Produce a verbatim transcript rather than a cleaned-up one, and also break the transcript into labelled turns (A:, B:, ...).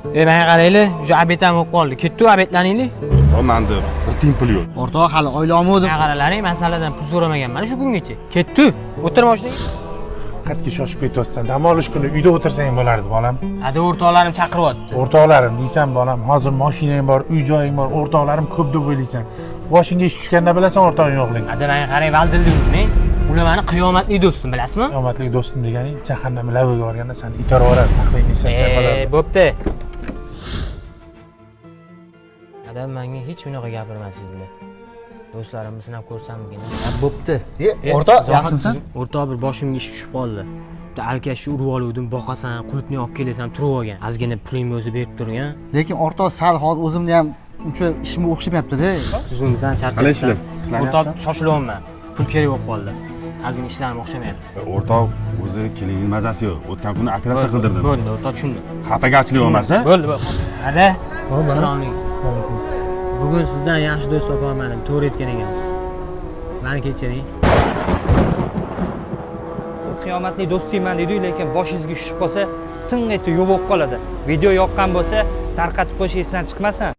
A: E men qarayli, o'sha abetam bo'lib qoldi. Ketdi abetlaningli.
B: Manda bir tiyin pul yo'q.
C: O'rtoq hali oylamadim.
A: Men qaralaring, masaladan pul so'ramaganman shu kungacha. Ketdi. O'tir mashinaga.
D: Qatga shoshib ketyapsan. Dam olish kuni uyda o'tirsang bo'lardi, bolam.
A: Hadi o'rtoqlarim chaqiryapti.
D: O'rtoqlarim deysan, bolam. Hozir mashinang bor, uy joying bor, o'rtoqlarim ko'p deb o'ylaysan. Boshingga ish tushganda bilasan o'rtog'ing yo'qligini.
A: Hadi men qarang, valdildingmi? Ular meni qiyomatli do'stim, bilasizmi?
D: Qiyomatli do'stim deganing jahannam laviga borganda seni itarib yuboradi. Taqlidingsan sen
A: E,
D: bo'lardi.
A: bo'pti. Adam menga hech bunaqa gapirmasdilar. Do'stlarimni sinab ko'rsammikin?
C: Bo'pti. E, o'rtoq, yaxshimisan?
A: O'rtoq bir boshimga ish tushib qoldi. Bitta alkashni urib oluvdim, boqasan, qulupni olib kelasan, turib olgan. Ozgina pulingni o'zi berib turgan.
C: Lekin o'rtoq sal hozir o'zimni ham uncha ishimga o'xshamayapti-da.
A: Tuzumsan, charchasan.
B: Qalay ishlar?
A: O'rtoq shoshilyapman. Pul kerak bo'lib qoldi. Ozgina ishlarim o'xshamayapti.
B: O'rtoq o'zi kelingning mazasi yo'q. O'tgan kuni operatsiya qildirdim.
A: Bo'ldi, o'rtoq tushundim.
B: Xafagarchilik bo'lmasa?
A: Bo'ldi, bo'ldi. Hadi. Salom.
D: Alaykum.
A: Bugun sizdan yaxshi do'st topolmadim, to'g'ri aytgan ekansiz. Meni kechiring.
E: Qiyomatli do'stingman dedi, lekin boshingizga tushib qolsa, tinch etib yo'q bo'lib qoladi. Video yoqqan bo'lsa, tarqatib qo'yish esdan chiqmasin.